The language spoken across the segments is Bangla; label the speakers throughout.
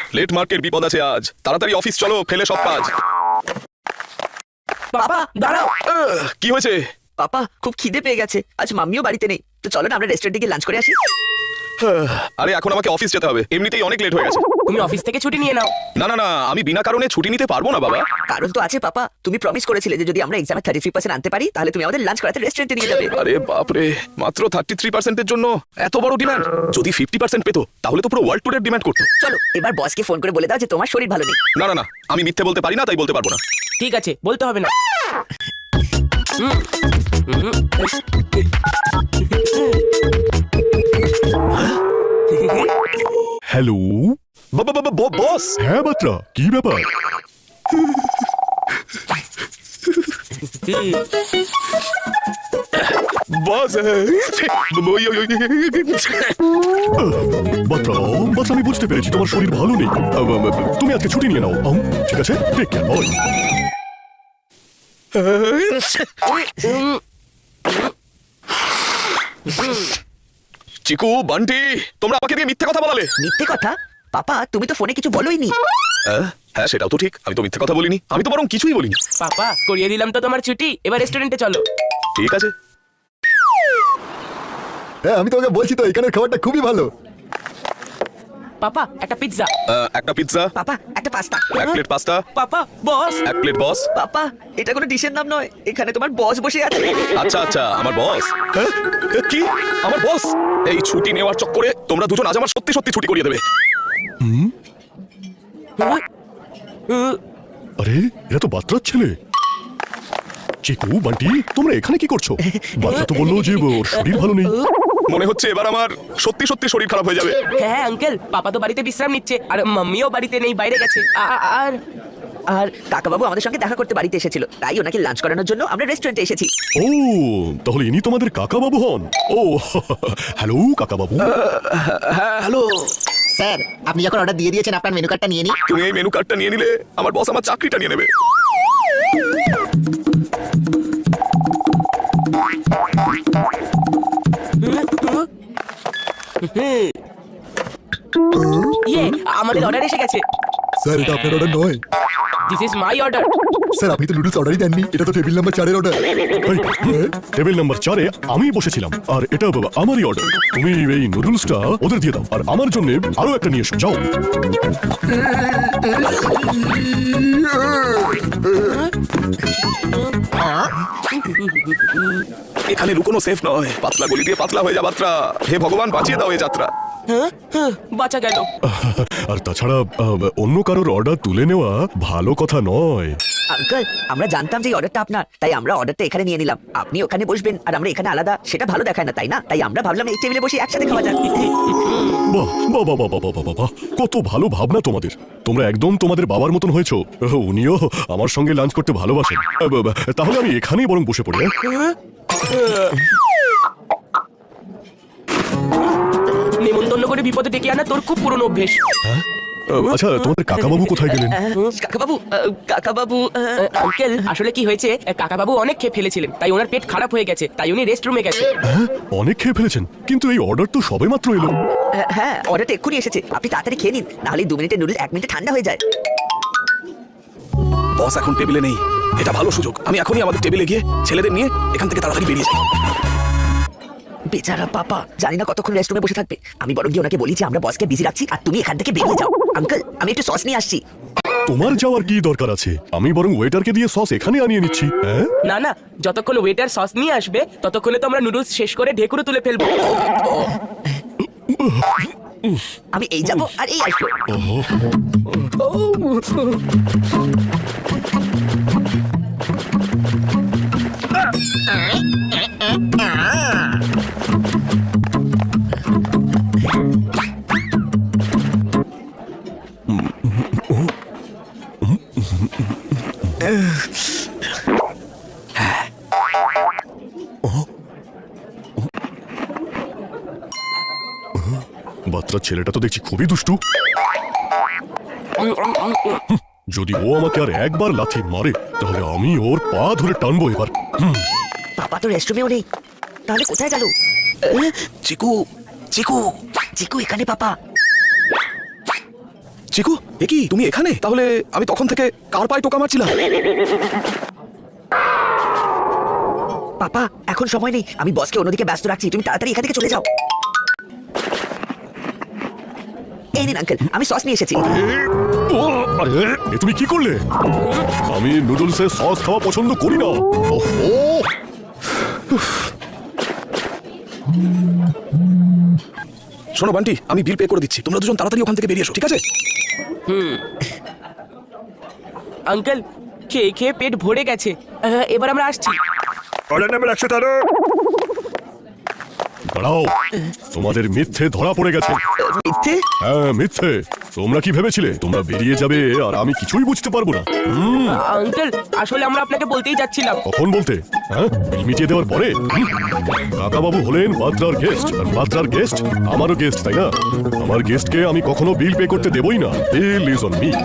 Speaker 1: লেট মার্কেট বিপদ আছে আজ, তাড়াতাড়ি অফিস চলো, ফেলে সব কাজ।
Speaker 2: পাপা দাঁড়াও।
Speaker 1: কি হয়েছে?
Speaker 2: পাপা খুব খিদে পেয়ে গেছে, আজ মাম্মিও বাড়িতে নেই, তো চলো না আমরা রেস্টুরেন্টে গিয়ে লাঞ্চ করে আসি।
Speaker 1: আরে এখন আমাকে অফিস যেতে হবে, এমনিতেই অনেক লেট হয়ে গেছে।
Speaker 3: তুমি অফিস থেকে ছুটি নিয়ে নাও।
Speaker 1: না না না, আমি বিনা কারণে ছুটি নিতে পারবো না বাবা।
Speaker 2: কারণ তো আছে পাপা, তুমি প্রমিস করেছিলে যে যদি আমরা এক্সামে 33% আনতে পারি তাহলে তুমি আমাদের লাঞ্চ করাতে রেস্টুরেন্টে নিয়ে যাবে।
Speaker 1: আরে বাপরে, মাত্র 33% এর জন্য এত বড় ডিমান্ড? যদি 50% পেতো তাহলে তো পুরো ওয়ার্ল্ড ট্যুরের ডিমান্ড করতো।
Speaker 2: চলো এবার বসকে ফোন করে বলে দাও যে তোমার শরীর ভালো নেই।
Speaker 1: না না না, আমি মিথ্যে বলতে পারি না, তাই বলতে পারবো না।
Speaker 3: ঠিক আছে, বলতে হবে না।
Speaker 4: হ্যালো।
Speaker 1: বস।
Speaker 4: হ্যাঁ বাত্রা, কি ব্যাপার?
Speaker 1: বস
Speaker 4: বাত্রা, বাত্রা, আমি বুঝতে পেরেছি তোমার শরীর ভালো নেই। তুমি আজকে ছুটি নিয়ে নাও। ঠিক আছে, take care, bye.
Speaker 1: Chiku, Bunty, তোমরা আমাকে দিয়ে মিথ্যে কথা বলালে।
Speaker 2: মিথ্যে কথা? পাপা তুমি তো ফোনে কিছু বলোই নি।
Speaker 1: হ্যাঁ সেটাও তো ঠিক, আমি তো মিথ্যে কথা বলিনি, আমি তো বরং কিছুই বলিনি।
Speaker 3: পাপা করিয়ে দিলাম তো তোমার ছুটি, এবার রেস্টুরেন্টে চলো।
Speaker 1: ঠিক আছে।
Speaker 5: হ্যাঁ আমি তোমাকে বলছি তো, এখানের খাবারটা খুবই ভালো।
Speaker 3: পাপা একটা পিৎজা।
Speaker 1: একটা পিৎজা,
Speaker 2: পাপা একটা পাস্তা।
Speaker 1: এক প্লেট পাস্তা,
Speaker 3: পাপা বস।
Speaker 1: এক প্লেট বস।
Speaker 2: পাপা এটা কোনো ডিশের নাম নয়, এখানে তোমার বস বসে আছে।
Speaker 1: আচ্ছা আচ্ছা, আমার বস। হ্যাঁ? কি আমার বস? এই ছুটি নেওয়ার চক্করে তোমরা দুজন আজ আমার সত্যি সত্যি ছুটি করিয়ে দেবে।
Speaker 4: আরে এরা তো বাত্রার ছেলে। চিকু, বান্টি, তোমরা এখানে কি করছো? বাত্রা তো বললো যে ওর শরীর ভালো নেই।
Speaker 1: মনে হচ্ছে এবার আমার সত্যি সত্যি শরীর খারাপ হয়ে যাবে।
Speaker 3: হ্যাঁ আঙ্কেল, পাপা তো বাড়িতে বিশ্রাম নিচ্ছে, আর মাম্মিও বাড়িতে নেই, বাইরে গেছে। আর
Speaker 2: আর কাকাবাবু আমাদের সঙ্গে দেখা করতে বাড়িতে এসেছিল, তাই ওনাকে লাঞ্চ করানোর জন্য আমরা রেস্টুরেন্টে এসেছি।
Speaker 4: ও, তাহলে ইনি তোমাদের কাকা বাবু হন? ও হ্যালো কাকা বাবু।
Speaker 1: হ্যাঁ হ্যালো।
Speaker 6: স্যার আপনি যখন অর্ডার দিয়ে দিয়েছেন আপনার মেনু কার্ডটা নিয়ে নিন।
Speaker 1: তুমি এই মেনু কার্ডটা নিয়ে নিলে আমার বস আমার চাকরিটা নিয়ে নেবে।
Speaker 3: ইয়ে, আমাদের অর্ডার এসে গেছে।
Speaker 5: স্যার এটা আপনার অর্ডার নয়।
Speaker 3: This is my order.
Speaker 5: Sir আপনি তো নুডলস অর্ডারই দেননি, এটা তো টেবিল নাম্বার 4 এর অর্ডার।
Speaker 4: টেবিল নাম্বার 4-এ আমি বসেছিলাম, আর এটা আমারই অর্ডার। তুমি এই নুডলসটা ওদের দিয়ে দাও, আর আমার জন্য আরো একটা নিয়ে এসো, যাও।
Speaker 1: এখানে লুকোনো সেফ নয়, পাতলা গলি দিয়ে পাতলা হয়ে যা বাত্রা। হে ভগবান, বাঁচিয়ে দাও এই যাত্রা।
Speaker 3: বাঁচা গেল।
Speaker 4: আর তাছাড়া অন্য কারোর অর্ডার তুলে নেওয়া ভালো কথা নয়।
Speaker 2: আঙ্কেল আমরা জানতাম যে অর্ডারটা আপনার, তাই আমরা অর্ডারটা এখানে নিয়ে নিলাম। আপনি ওখানে বসবেন আর আমরা এখানে আলাদা, সেটা ভালো দেখায় না, তাই না? তাই আমরা ভাবলাম এই টেবিলে বসে একসাথে খাওয়া যাক।
Speaker 4: বাহ বাহ বাহ বাহ বাহ বাহ বাহ, কত ভালো ভাবনা তোমাদের। তোমরা একদম তোমাদের বাবার মতন হয়েছো। উনিও আমার সঙ্গে লাঞ্চ করতে ভালোবাসেন। তাহলে আমি এখানেই বরং বসে পড়ি।
Speaker 3: নেমন্তন্ন করে বিপদে ডেকে আনা তোর খুব পুরনো অভ্যেস।
Speaker 4: আচ্ছা তোমাদের কাকাবাবু কোথায় গেলেন?
Speaker 2: কাকাবাবু কাকাবাবু
Speaker 3: আঙ্কেল আসলে কি হয়েছে, কাকাবাবু অনেক খেয়ে ফেলেছিলেন, তাই ওনার পেট খারাপ হয়ে গেছে, তাই উনি রেস্ট রুমে গেছে।
Speaker 4: অনেক খেয়ে ফেলেছেন, কিন্তু এই অর্ডার তো সবে মাত্র এলো।
Speaker 2: হ্যাঁ অর্ডারটা এক্ষুনি এসেছে, আপনি তাড়াতাড়ি খেয়ে নিন, নাহলে 2 মিনিটের নুডলস 1 মিনিটে ঠান্ডা হয়ে যায়।
Speaker 1: বস এখন টেবিলে নেই, এটা ভালো সুযোগ। আমি এখনই আমাদের টেবিলে গিয়ে ছেলেদের নিয়ে এখান থেকে তাড়াতাড়ি বেরিয়ে যাই।
Speaker 2: বেচারা পাপা জানি না কতক্ষণ রেস্টুরেন্টে বসে থাকবে। আমি বরং গিয়ে ওনাকে বলি যে আমরা বসকে বিজি রাখছি আর তুমি এখান থেকে বেরিয়ে যাও। আঙ্কেল আমি একটু সস নিয়ে আসছি।
Speaker 4: তোমার যাওয়ার কি দরকার আছে? আমি বরং ওয়েটারকে দিয়ে সস এখানে আনিয়ে নিচ্ছি। হ্যাঁ
Speaker 3: না না, যতক্ষণ ওয়েটার সস নিয়ে আসবে ততক্ষণে তো আমরা নুডলস শেষ করে ঢেকুরে তুলে ফেলবো।
Speaker 2: আমি এই যাবো আর এই আসবো।
Speaker 4: বাচ্চার ছেলেটা তো দেখছি খুবই দুষ্টু। যদি ও আমাকে আর একবার লাথি মারে তাহলে আমি ওর পা ধরে টানবো এবার।
Speaker 2: পাপা তো রেস্টুরেন্টেও নেই, তাহলে কোথায় গেল?
Speaker 1: চিকু চিকু
Speaker 2: চিকু এখানে পাপা।
Speaker 1: চিকু এ কি তুমি এখানে? তাহলে আমি তখন থেকে কার পায়ে টোকা মারছিলাম?
Speaker 2: পাপা এখন সময় নেই, আমি বসকে অন্যদিকে ব্যস্ত রাখছি, তুমি তাড়াতাড়ি এখান থেকে চলে যাও। এই নিন আঙ্কেল, আমি সস নিয়ে এসেছি।
Speaker 4: আরে এ তুমি কি করলে? আমি নুডলসে সস খাওয়া পছন্দ করি না। ওহো,
Speaker 1: শোনো বান্টি, আমি বিল পে করে দিচ্ছি, তোমরা দুজন তাড়াতাড়ি ওখান থেকে বেরিয়ে এসো, ঠিক আছে?
Speaker 3: আঙ্কেল খেয়ে খেয়ে পেট ভরে গেছে, এবার আমরা আসছি।
Speaker 4: দাঁড়াও, তোমাদের মিথ্যে ধরা পড়ে গেছে।
Speaker 2: মিথ্যে?
Speaker 4: হ্যাঁ মিথ্যে। তোমরা কি ভেবেছিলে তোমরা বেরিয়ে যাবে আর আমি কিছুই বুঝতে পারবো না?
Speaker 3: আঙ্কেল আসলে আমরা আপনাকে বলতেই যাচ্ছিলাম।
Speaker 4: কখন বলতে? হ্যাঁ, বিল মিটিয়ে দেওয়ার পরে? কাকাবাবু হলেন বাদ্রার গেস্ট, আর বাদ্রার গেস্ট আমারও গেস্ট, তাই না? আমার গেস্টকে আমি কখনো বিল পে করতে দেবই না। Bill is on me.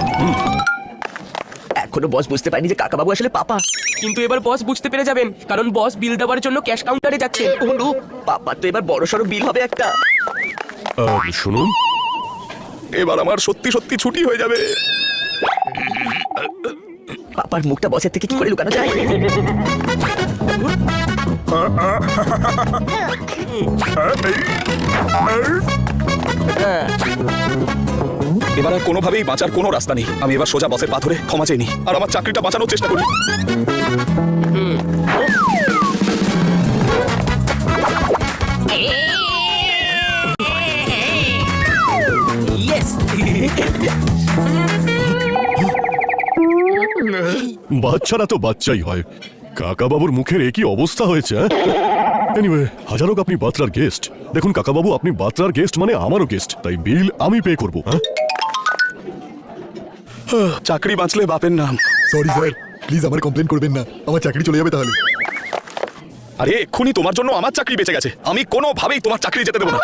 Speaker 2: এখনো বস বুঝতে পারেনি যে কাকাবাবু আসলে পাপা।
Speaker 3: কিন্তু এবার বস বুঝতে পেরে যাবেন, কারণ বস বিল দেওয়ার জন্য ক্যাশ কাউন্টারে যাচ্ছে।
Speaker 2: ওহো, পাপার তো এবার বড় সড়ো বিল হবে একটা।
Speaker 4: শুনুন,
Speaker 1: এবার আমার সত্যি সত্যি ছুটি হয়ে যাবে।
Speaker 2: পাপার মুখটা বসের থেকে কি করে লুকানো যায়?
Speaker 1: এবার আর কোনোভাবেই বাঁচার কোনো রাস্তা নেই। আমি এবার সোজা বসের পা ধরে ক্ষমা চাইনি আর আমার চাকরিটা বাঁচানোর চেষ্টা করি।
Speaker 3: ইয়েস।
Speaker 4: বাচ্চারা তো বাচ্চাই হয়। কাকাবাবুর মুখের একই অবস্থা হয়েছে। এনিওয়ে, হাজার হোক আপনি বাত্রার গেস্ট। দেখুন কাকাবাবু, আপনি বাত্রার গেস্ট মানে আমারও গেস্ট, তাই বিল আমি পে করবো।
Speaker 1: চাকরি বাঁচলে বাপের নাম।
Speaker 5: সরি স্যার, প্লিজ আমার কমপ্লেন করবেন না, আমার চাকরি চলে যাবে তাহলে।
Speaker 1: আরে এক্ষুনি তোমার জন্য আমার চাকরি বেঁচে গেছে, আমি কোনোভাবেই তোমার চাকরি যেতে দেবো না।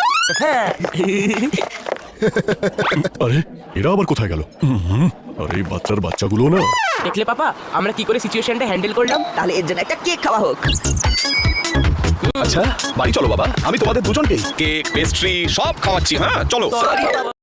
Speaker 4: আরে এরা আবার কোথায় গেল? আরে এই বাচ্চার বাচ্চাগুলো না।
Speaker 3: দেখলে পাপা আমরা কি করে সিচুয়েশনটা হ্যান্ডেল করলাম?
Speaker 2: তাহলে এর জন্য একটা কেক খাওয়া হোক।
Speaker 1: আচ্ছা বাড়ি চলো বাবা, আমি তোমাদের দুজনকে কেক পেস্ট্রি সব খাওয়াচ্ছি। হ্যাঁ চলো।